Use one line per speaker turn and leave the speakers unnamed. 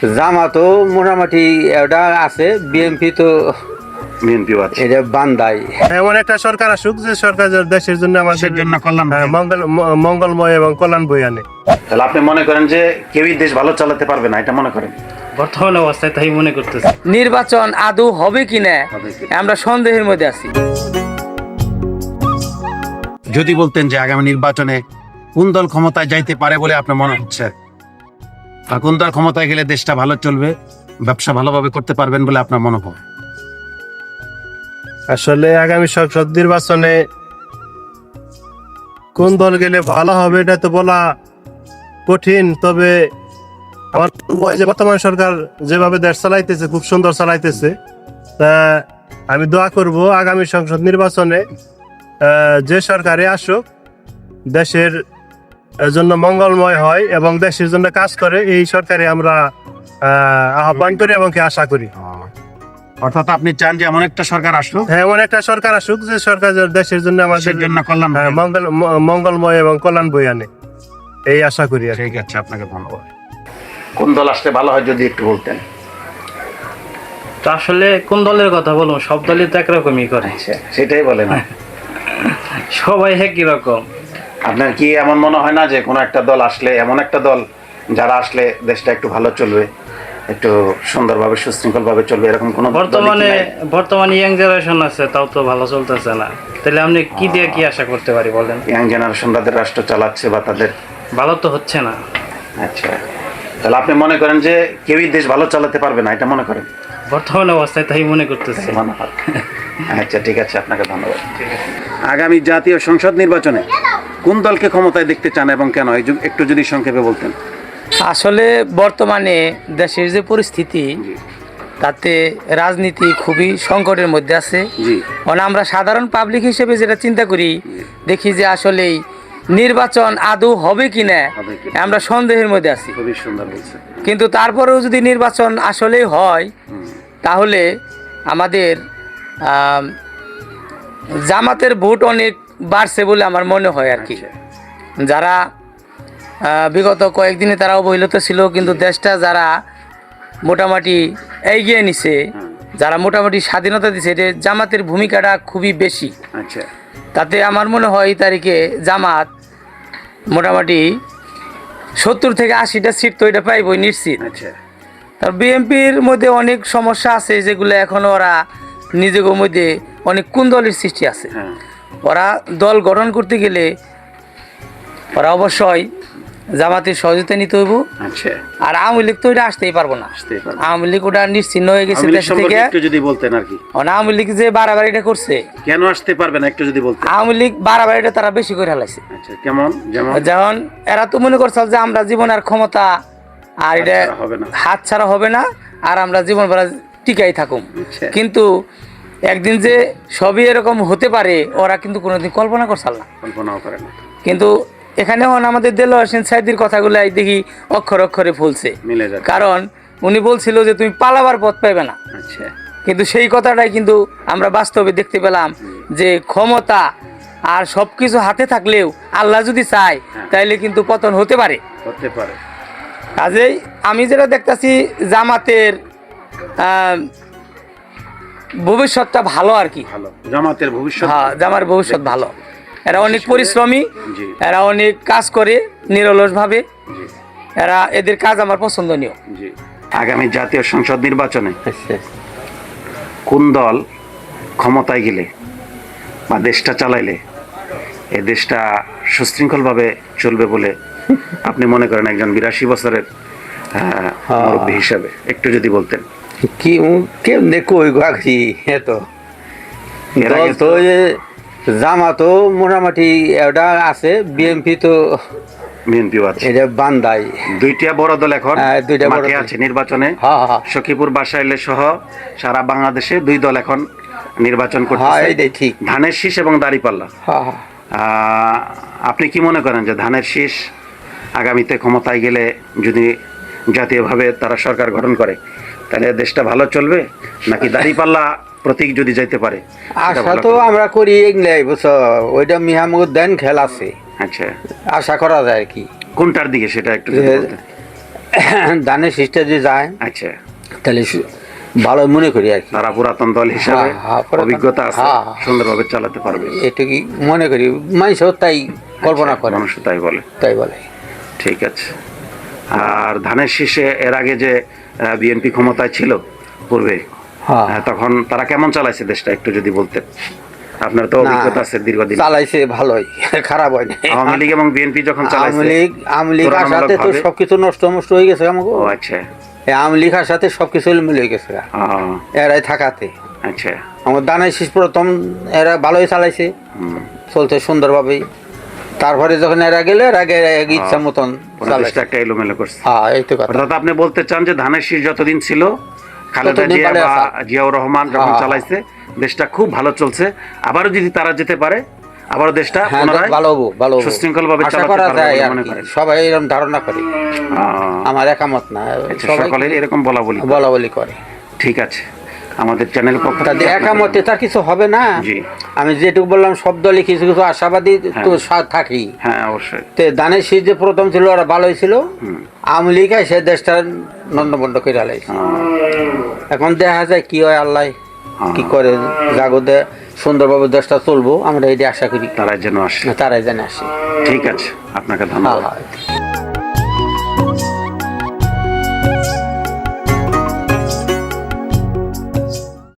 জামাতও মোটামুটি এটা আছে, বিএনপি তো
বিএনপিও আছে।
এটা বান্দাই।
এমন একটা সরকার আসুক যে সরকার দেশের জন্য আমাদের
জন্য কল্যাণ
মঙ্গলময় এবং কল্যাণ বই আনে।
তাহলে আপনি মনে করেন যে কেউই দেশ ভালো চালাতে পারবে না, এটা মনে করেন?
বর্তমান অবস্থায় তাই মনে করতেছি।
নির্বাচন আদৌ হবে কিনা আমরা সন্দেহের মধ্যে আছি।
যদি বলতেন যে আগামী নির্বাচনে কোন দল ক্ষমতায় যাইতে পারে বলে আপনার মনে হচ্ছে, বা কোন দল ক্ষমতায় গেলে দেশটা ভালো চলবে, ব্যবসা ভালোভাবে করতে পারবেন বলে আপনার মনে হয়?
আসলে আগামী সংসদ নির্বাচনে কোন দল গেলে ভালো হবে এটা তো বলা কঠিন। তবে আমার যে বর্তমান সরকার যেভাবে দেশ চালাইতেছে খুব সুন্দর চালাইতেছে, তা আমি দোয়া করব আগামী সংসদ নির্বাচনে যে সরকারে আসুক দেশের জন্য মঙ্গলময় হয় এবং দেশের জন্য কাজ করে, এই সরকারে আমরা আহ্বান করি এবং আশা করি।
অর্থাৎ আপনি চান যে এমন একটা সরকার আসুক,
হ্যাঁ, এমন একটা সরকার আসুক যে সরকার দেশের জন্য আমাদের
জন্য কল্যাণ।
মঙ্গলময় এবং কল্যাণ বই আনে, এই আশা করি।
ঠিক আছে, আপনাকে ধন্যবাদ। কোন দল আসলে ভালো হয় যদি একটু বলতেন?
তো আসলে কোন দলের কথা বলবো, সব দলই তো একরকমই করে,
সেটাই বলেন।
সবাই একই রকম।
আপনার কি এমন মনে হয় না যে কোনো একটা দল আসলে, এমন একটা দল যারা আসলে দেশটা একটু ভালো চলবে, একটু সুন্দরভাবে সুশৃঙ্খলভাবে চলবে, এরকম কোনো
বর্তমানে ইয়াং জেনারেশন আছে, তাও তো ভালো চলতেছে না। তাহলে আপনি কি দিয়ে কি আশা করতে পারি বলেন?
ইয়াং জেনারেশন তাদের রাষ্ট্র চালাচ্ছে বা তাদের
ভালো তো হচ্ছে না।
আচ্ছা, তাহলে আপনি মনে করেন যে কেউই দেশ ভালো চালাতে পারবে না, এটা মনে করেন?
বর্তমান অবস্থায় তাই মনে করতেছি।
আচ্ছা, ঠিক আছে, আপনাকে ধন্যবাদ। আগামী জাতীয় সংসদ নির্বাচনে কোন দলকে ক্ষমতায় দেখতে চান এবং কেন, একটু যদি সংক্ষেপে বলতেন।
আসলে বর্তমানে দেশের যে পরিস্থিতি, তাতে রাজনীতি খুবই সংকটের মধ্যে আছে। মানে আমরা সাধারণ পাবলিক হিসেবে যেটা চিন্তা করি, দেখি যে আসলেই নির্বাচন আদৌ হবে কিনা আমরা সন্দেহের মধ্যে আছি।
খুবই সুন্দর বলছেন।
কিন্তু তারপরেও যদি নির্বাচন আসলেই হয়, তাহলে আমাদের জামাতের ভোট অনেক বাড়ছে বলে আমার মনে হয় আর কি। যারা বিগত কয়েকদিনে তারা অবহেলিত ছিল, কিন্তু দেশটা যারা মোটামুটি এগিয়ে নিছে, যারা মোটামুটি স্বাধীনতা দিছে, এটা জামাতের ভূমিকাটা খুবই বেশি।
আচ্ছা,
তাতে আমার মনে হয় এই তারিখে জামাত মোটামুটি 70 থেকে 80টা সিট তো এটা পাইবই নিশ্চিত।
আচ্ছা,
তার বিএনপির মধ্যে অনেক সমস্যা আছে, যেগুলো এখনো ওরা নিজেদের মধ্যে অনেক কুন্দলের সৃষ্টি আছে। ওরা দল গঠন করতে গেলে ওরা অবশ্যই জামাতের সহযোগিতা নিতে হইব। আর আওয়ামী লীগ তো এটা আসতেই পারবো না। আওয়ামী লীগ ওটা নিশ্চিহ্ন হয়ে গেছে দেশ থেকে।
একটু যদি বলতেন আর কি,
আওয়ামী লীগ যে বাড়াবাড়িটা করছে,
কেন আসতে পারবে না একটু যদি বলতেন।
আওয়ামী লীগ বাড়াবাড়িটা তারা বেশি করে হালাইছে।
আচ্ছা, কেমন?
যেমন এরা তো মনে করছে যে আমরা জীবন আর ক্ষমতা আর এটা হাত ছাড়া হবে না, আর আমরা জীবন ভরা টিকাই থাকুম। কিন্তু একদিন যে সবই এরকম হতে পারে ওরা কিন্তু কোনোদিন কল্পনা করছাল না,
কল্পনাও করে না।
কিন্তু এখানে আমাদের দেলোয়ার হোসেন সাইদির কথাগুলো দেখি অক্ষর অক্ষরে ফুলছে। কারণ উনি বলছিল যে তুমি পালাবার পথ পাইবে না। কিন্তু সেই কথাটাই কিন্তু আমরা বাস্তবে দেখতে পেলাম যে ক্ষমতা আর সবকিছু হাতে থাকলেও আল্লাহ যদি চায় তাইলে কিন্তু পতন হতে পারে। কাজেই আমি যেটা দেখতেছি জামাতের ভবিষ্যৎটা ভালো আর কি।
জামাতের ভবিষ্যৎ,
হ্যাঁ, জামার ভবিষ্যৎ ভালো। এরা অনেক পরিশ্রমী, এরা অনেক কাজ করে নিরলসভাবে, এরা এদের কাজ আমার পছন্দনীয়।
আগামী জাতীয় সংসদ নির্বাচনে কোন দল ক্ষমতায় গেলে বা দেশটা চালাইলে এই দেশটা সুশৃঙ্খলভাবে চলবে বলে আপনি মনে করেন, একজন 82 বছরের মুরব্বী হিসাবে একটু যদি বলতেন।
কি কেমনে কই গাছি এতো তো জামাতও মোটামুটি এটা আছে, বিএনপি তো
বিএনপিও আছে,
এটা বান্দাই।
দুইটা বড় দল এখন মাঠে আছে নির্বাচনে। সখীপুর বাসাইলে সহ সারা বাংলাদেশে 2 দল এখন নির্বাচন করতেছে,
ঠিক
ধানের শীষ এবং দাঁড়িপাল্লা। আপনি কি মনে করেন যে ধানের শীষ আগামীতে ক্ষমতায় গেলে যদি জাতীয়ভাবে তারা সরকার গঠন করে তাহলে দেশটা ভালো চলবে, নাকি দাঁড়িপাল্লা প্রতীক যদি যাইতে পারে?
আশা তো আমরা করি এগুলাই, বুঝছো, ওইটা মিহামুদ দেন খেল আছে।
আচ্ছা,
আশা করা যায় কি
কোনটার দিকে সেটা একটু
ধানের শীষটা যে যায়
আচ্ছা,
তাহলে ভালো মনে করি আর কি।
তারা পুরাতন দল হিসাবে
পুরাতন-
অভিজ্ঞতা আছে,
হ্যাঁ।
সুন্দরভাবে চালাতে পারবে,
এটুকুই মনে করি, মানুষও তাই কল্পনা করে,
মানুষ তাই বলে।
তাই বলে।
ঠিক আছে। আর ধানের শীষে এর আগে যে বিএনপি ক্ষমতায় ছিল পূর্বে,
হ্যাঁ
তখন তারা কেমন চালাইছে দেশটা একটু যদি বলতেন? আপনার তো
না,
অভিজ্ঞতা আছে দীর্ঘদিন।
চালাইছে ভালোই, খারাপ হয় না।
আওয়ামী লীগ এবং বিএনপি যখন
আওয়ামী
চালাইছে,
লীগ আসাতে তো
তুলনামূলকভাবে-
সবকিছু নষ্ট হয়ে গেছে আমাকে।
ও আচ্ছা,
এই আওয়ামী লীগ আসাতে সবকিছু মিলে হয়ে গেছে এরাই থাকাতে।
আচ্ছা,
আমার দানের শীষ প্রথম এরা ভালোই চালাইছে, চলতে সুন্দরভাবেই। তারপরে যখন এরা গেলে এর আগে ইচ্ছা মতন চালাইছে।
দেশটা একটা এলোমেলো করছে।
হ্যাঁ এই তো কথা।
অর্থাৎ আপনি বলতে চান যে ধানের শীষ যতদিন ছিল, খালেদা
ততদিন
জিয়া
ভালো
বা
আছে।
জিয়াউর রহমান যখন
হ্যাঁ।
চালাইছে, দেশটা খুব ভালো চলছে। আবারও যদি তারা যেতে পারে, আবারও দেশটা
হ্যাঁ
পুনরায়
ভালো হবো, ভালো হবো।
সুশৃঙ্খল ভাবে
আশা
চালাতে
করা
পারবে
যায়
বলে
আর
মনে
কি।
করেন?
সবাই এরকম ধারণা করে, আমার একামত না,
আচ্ছা,
সবাই
সকলের এরকম বলা বলি।
বলা বলি করে।
ঠিক আছে, আমাদের চ্যানেল পক্ষ থেকে
তাদের একামতে তার কিছু হবে না।
জি।
আমি যেটুকু বললাম সব দলই কিছু কিছু আশাবাদী তো থাকি।
হ্যাঁ, অবশ্যই।
তে দানের শীষ যে প্রথম ছিল ওরা ভালোই ছিল, আওয়ামী লীগ সে দেশটা নন্দবন্ড করে আলাইছে। এখন দেখা যায় কি হয়, আল্লাহ কি করে, জাগতে সুন্দরভাবে দেশটা চলবো আমরা এই আশা করি,
তারা যেন আসে।
তারাই জানে আসে।
ঠিক আছে, আপনাকে ধন্যবাদ।
হ্যাঁ।